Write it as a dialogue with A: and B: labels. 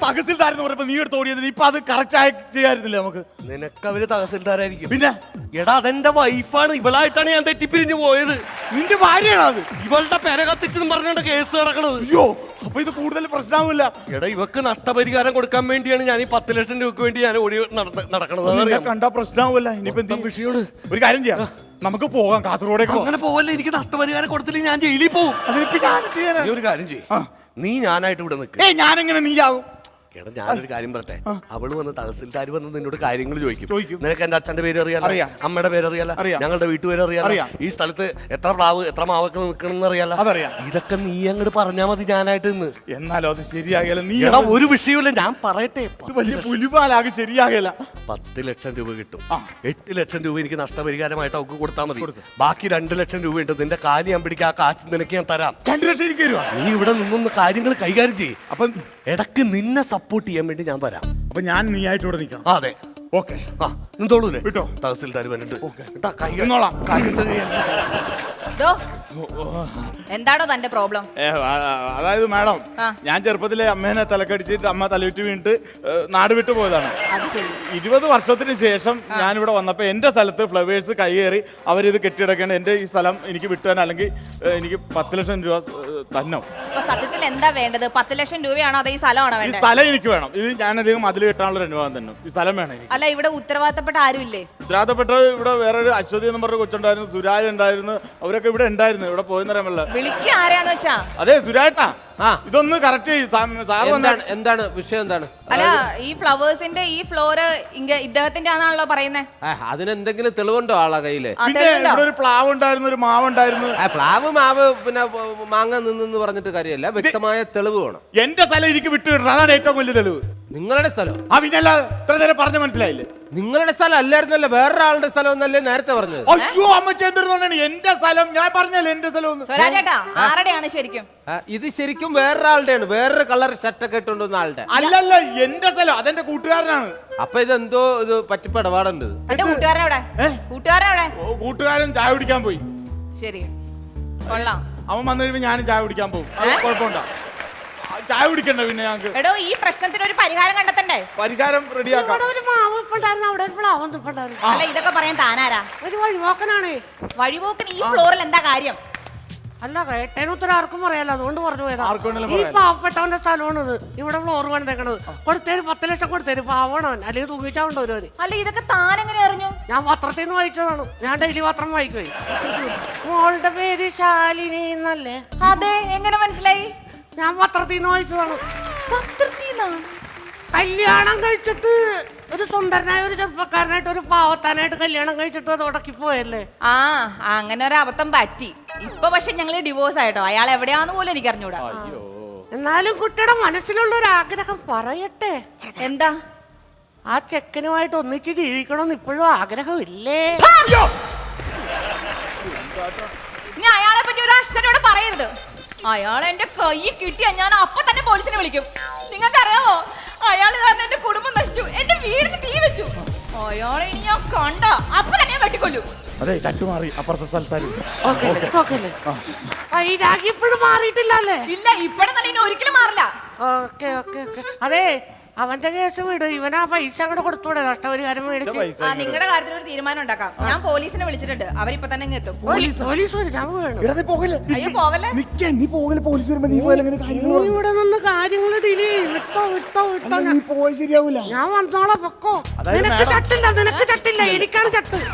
A: തഹസിൽദാരെന്ന് പറഞ്ഞപ്പോ നീ എടുത്ത് ഓടിയത് ഇപ്പൊ അത് കറക്റ്റ് ആയി ചെയ്യായിരുന്നില്ല നമുക്ക്.
B: നിനക്ക് അവര് തഹസിൽദാരായിരിക്കും.
A: പിന്നെ
B: എടാ അതെന്റെ വൈഫാണ്, ഇവളായിട്ടാണ് ഞാൻ തെറ്റിപ്പിരിഞ്ഞു പോയത്.
A: നിന്റെ ഭാര്യയാണോ അത്?
B: ഇവളുടെ പെര കത്തിച്ചെന്ന് പറഞ്ഞോണ്ട് കേസ് നടക്കണത്.
A: അയ്യോ, അപ്പൊ ഇത് കൂടുതൽ പ്രശ്നമാവില്ല.
B: എടാ ഇവക്ക് നഷ്ടപരിഹാരം കൊടുക്കാൻ വേണ്ടിയാണ് ഞാൻ ഈ 10 ലക്ഷം രൂപക്ക് വേണ്ടി ഞാൻ ഓടി നടക്കണത്.
A: കണ്ടാ പ്രശ്നമാവില്ല. ഇനിയിപ്പോ എന്ത്
B: വിഷയമാണ്?
A: ഒരു കാര്യം ചെയ്യാം, നമുക്ക് പോകാം കാസർഗോഡേക്ക്.
B: അങ്ങനെ പോവല്ലേ, എനിക്ക് നഷ്ടപരിഹാരം കൊടുത്തില്ലെങ്കിൽ ഞാൻ ജയിലിൽ പോകും.
A: അതിനിപ്പോ ഞാൻ ചെയ്യാൻ
B: നീ ഒരു കാര്യം ചെയ്യും, നീ ഞാനായിട്ട് ഇവിടെ നിൽക്ക്.
A: ഞാനെങ്ങനെ നീ ആവും?
B: എടാ ഞാനൊരു കാര്യം പറട്ടെ, അവള് വന്ന് തഹസിൽദാർ വന്ന് നിന്നോട് കാര്യങ്ങൾ ചോദിക്കും. നിനക്ക് എന്റെ അച്ഛന്റെ പേര് അറിയാലോ, അമ്മയുടെ പേര് അറിയാലോ, ഞങ്ങളുടെ വീട്ടുപേര് അറിയാലോ, ഈ സ്ഥലത്ത് എത്ര പ്ലാവ് എത്ര മാവൊക്കെ നിൽക്കണമെന്ന് അറിയാലോ. ഇതൊക്കെ നീ അങ്ങോട്ട് പറഞ്ഞാൽ മതി ഞാനായിട്ട് നിന്ന്.
A: എന്നാലോ അത് ശരിയാകല. നീ
B: എടാ ഒരു വിഷയമില്ല, ഞാൻ പറയട്ടെ.
A: വലിയ പുലിപാലാകെ ശരിയാകല.
B: 10 ലക്ഷം രൂപ കിട്ടും. 8 ലക്ഷം രൂപ എനിക്ക് നഷ്ടപരിഹാരമായിട്ട് അവർക്ക് കൊടുത്താൽ മതി. ബാക്കി 2 ലക്ഷം രൂപ ഉണ്ട്. നിന്റെ കാലി ഞാൻ പിടിക്കുക, ആ കാശ് നിനക്ക് ഞാൻ തരാം.
A: 2 ലക്ഷം എനിക്ക് തരുവാ?
B: നീ ഇവിടെ നിന്നൊന്ന് കാര്യങ്ങൾ കൈകാര്യം ചെയ്യും.
A: അപ്പൊ
B: ഇടക്ക് നിന്നെ സപ്പോർട്ട് ചെയ്യാൻ വേണ്ടി ഞാൻ വരാം.
A: അപ്പൊ ഞാൻ നീ ആയിട്ട് ഇവിടെ നിൽക്കണം.
B: അതെ,
A: ഓക്കെ.
B: നിന്നോളൂല്ലേ?
A: വിട്ടോ,
B: തഹസിൽദാർ വന്നിട്ട്
C: എന്താണോ തന്റെ പ്രോബ്ലം?
A: അതായത് മാഡം, ഞാൻ ചെറുപ്പത്തിലെ അമ്മേനെ തലക്കടിച്ചിട്ട് അമ്മ തലവിട്ട് വീണിട്ട് നാട് വിട്ടു പോയതാണ്. 20 വർഷത്തിന് ശേഷം ഞാനിവിടെ വന്നപ്പോ എന്റെ സ്ഥലത്ത് ഫ്ലവേഴ്സ് കയ്യേറി അവരിത് കെട്ടിടക്കേണ്ട. എന്റെ ഈ സ്ഥലം എനിക്ക് വിട്ടുവാൻ, അല്ലെങ്കിൽ എനിക്ക് 10 ലക്ഷം രൂപ തന്നെ.
C: സത്യത്തിൽ എന്താ വേണ്ടത്? 10 ലക്ഷം രൂപയാണോ അതോ ഈ സ്ഥലമാണോ
A: ഈ
C: വേണ്ടത്?
A: സ്ഥലം എനിക്ക് വേണം. ഇത് ഞാൻ അധികം മതിൽ കെട്ടാനുള്ള ഒരു അനുവാദം തന്നെ. ഈ സ്ഥലം വേണം എനിക്ക്.
C: അല്ല, ഇവിടെ ഉത്തരവാദിത്തപ്പെട്ട ആരുമില്ലേ?
A: ഉത്തരവാദിത്തപ്പെട്ട ഇവിടെ വേറൊരു അശ്വതി എന്ന് പറഞ്ഞ കൊച്ചുണ്ടായിരുന്നു, സുരാജ് ഉണ്ടായിരുന്നു, അവരൊക്കെ ഇവിടെ ഉണ്ടായിരുന്നു. ഇവിടെ പോയെന്നറിയാമല്ല.
C: വിളിക്ക ആരെയാന്ന് വെച്ചാ?
A: അതെ, സുരാജേട്ടാ, ഇതൊന്ന് കറക്റ്റ്
D: എന്താണ് വിഷയം? എന്താണ്?
C: അല്ല, ഈ ഫ്ലവേഴ്സിന്റെ ഈ ഫ്ലോറ് ഇദ്ദേഹത്തിന്റെ ആണാണല്ലോ പറയുന്നത്.
D: അതിനെന്തെങ്കിലും തെളിവുണ്ടോ ആളെ കയ്യില്?
A: പിന്നെ ഇവിടെ ഒരു പ്ലാവ് ഉണ്ടായിരുന്നു, ഒരു മാവ് ഉണ്ടായിരുന്നു.
D: പ്ലാവ് മാവ് പിന്നെ മാങ്ങ നിന്ന് പറഞ്ഞിട്ട് കാര്യമല്ല, വ്യക്തമായ തെളിവ് വേണം.
A: എന്റെ സ്ഥലം എനിക്ക് വിട്ടുകിട്ടണം, അതാണ് ഏറ്റവും വലിയ തെളിവ്.
D: നിങ്ങളുടെ സ്ഥലം?
A: പിന്നല്ലാതെ ഇത്ര നേരം പറഞ്ഞ മനസ്സിലായില്ലേ?
D: നിങ്ങളുടെ സ്ഥലം അല്ലായിരുന്നല്ലോ, വേറൊരാളുടെ സ്ഥലം എന്നല്ലേ നേരത്തെ പറഞ്ഞത്?
A: അയ്യോ, അമ്മ ചേർന്നിരുന്നോണ്ടാണ് എന്റെ സ്ഥലം. ഞാൻ പറഞ്ഞല്ലേ എന്റെ സ്ഥലം.
C: സ്വരാജേട്ടാ, ആരുടെയാണ് ശരിക്കും?
D: ഇത് ശരിക്കും വേറൊരാളുടെയാണ്, വേറൊരു കളർ ഷർട്ടൊക്കെ ഇട്ടുകൊണ്ടുവന്ന ആളുടെ.
A: അല്ലല്ല, എന്റെ സ്ഥലം, അതെന്റെ കൂട്ടുകാരനാണ്.
D: അപ്പൊ ഇതെന്തോ ഇത് പറ്റിപ്പ് ഇടപാടുണ്ട്.
C: എന്റെ കൂട്ടുകാരനെവിടെ? കൂട്ടുകാരനെവിടെ?
A: കൂട്ടുകാരൻ ചായ കുടിക്കാൻ പോയി.
C: ശരി, കൊള്ളാം.
A: അവൻ വന്നു കഴിയുമ്പോ ഞാനും ചായ കുടിക്കാൻ പോകും. കുഴപ്പമുണ്ടോ? ചായ കുടിക്കണ്ട പിന്നെ ഞങ്ങൾക്ക്.
C: എടോ, ഈ പ്രശ്നത്തിന് ഒരു പരിഹാരം കണ്ടെത്തണ്ടേ?
A: പരിഹാരം റെഡിയാക്കാം.
C: അല്ല, ഇതൊക്കെ പറയാൻ താനാരാ?
E: ഒരു വഴിപോക്കനാണ്.
C: വഴിപോക്കൻ ഈ ഫ്ലോറിൽ എന്താ കാര്യം?
E: അല്ല, കേട്ടേന് ഉത്തരം ആർക്കും പറയാലോ, അതുകൊണ്ട് പറഞ്ഞു പോയതാ.
A: ആർക്കും
E: ഈ പാവപ്പെട്ടവന്റെ സ്ഥലമാണിത്. ഇവിടെ ഫ്ലോർ പണിതേക്കണത്. കൊടുത്തേര് 10 ലക്ഷം കൊടുത്തേര്, പാവണവൻ. അല്ലെങ്കിൽ തൂക്കിച്ചാവുണ്ടോ ഒരു?
C: അല്ല, ഇതൊക്കെ താൻ എങ്ങനെ അറിഞ്ഞു?
E: ഞാൻ പത്രത്തിൽ നിന്ന് വായിച്ചതാണ്. ഞാൻ ഡെയിലി പത്രം വായിക്കുവേ. മോളുടെ പേര് ശാലിനി എന്നല്ലേ?
C: അതെ, എങ്ങനെ മനസ്സിലായി?
E: ഞാൻ പത്രത്തിൽ നിന്ന് വായിച്ചതാണ്.
C: പത്രത്തിന്നാ?
E: കല്യാണം കഴിച്ചിട്ട് ഒരു സുന്ദരനായ ഒരു ചെറുപ്പക്കാരനായിട്ട് ഒരു പാവത്താനായിട്ട് കല്യാണം കഴിച്ചിട്ട് അത് ഉടക്കിപ്പോയല്ലേ?
C: അങ്ങനെ ഒരു അബദ്ധം പറ്റി. ഇപ്പൊ പക്ഷെ ഞങ്ങള് ഡിവോഴ്സ് ആയിട്ടോ. അയാൾ എവിടെയാന്ന് പോലും എനിക്ക് അറിഞ്ഞൂടാ.
E: എന്നാലും കുട്ടിയുടെ മനസ്സിലുള്ള ഒരു ആഗ്രഹം പറയട്ടെ.
C: എന്താ?
E: ആ ചെക്കനുമായിട്ട് ഒന്നിച്ച് ജീവിക്കണമെന്ന് ഇപ്പോഴും ആഗ്രഹമില്ലേ?
C: ഇനി അയാളെ പറ്റി ഒരു അക്ഷരോടെ പറയരുത്. അയാൾ എന്റെ കൈ കിട്ടിയാ ഞാൻ അപ്പൊ തന്നെ പോലീസിനെ വിളിക്കും. നിങ്ങൾക്കറിയാമോ, അയാൾ കാരണം എന്റെ കുടുംബം നശിച്ചു, എന്റെ വീടിന് തീ വെച്ചു. അയാളെ ഇനി ഞാൻ കണ്ട അപ്പൊ തന്നെ വെട്ടിക്കൊല്ലു.
A: അതെ, ചട്ടു മാറി അപ്പുറത്തെ സ്ഥലത്തായി.
E: ഇപ്പോഴും മാറിയിട്ടില്ലല്ലേ?
C: ഇല്ല, ഇപ്പഴെന്നല്ല, ഇനി ഒരിക്കലും മാറില്ല.
E: Okay okay okay. അതെ, അവന്റെ കേസ് വിട്. ഇവനാ പൈസ അങ്ങോട്ട് കൊടുത്തൂടെ, നഷ്ടപരിഹാരം മേടിച്ച്.
C: നിങ്ങളുടെ കാര്യത്തിൽ ഒരു തീരുമാനം ഉണ്ടാക്കാം. ഞാൻ പോലീസിനെ വിളിച്ചിട്ടുണ്ട്, അവരിപ്പൊ തന്നെ ഇങ്ങ് എത്തും.
E: പോലീസ് വരും, ഞാൻ പോകണം.
C: അയ്യോ, പോവല്ലേ.
E: ഇവിടെ നിന്ന് കാര്യങ്ങൾ ഡിലേ വിട്ടോ.
A: ശരിയാവൂല.
E: ഞാൻ വന്നോളാം, പൊക്കോ. നിനക്ക് ചട്ടില്ല, എനിക്കാണ് ചട്ട്.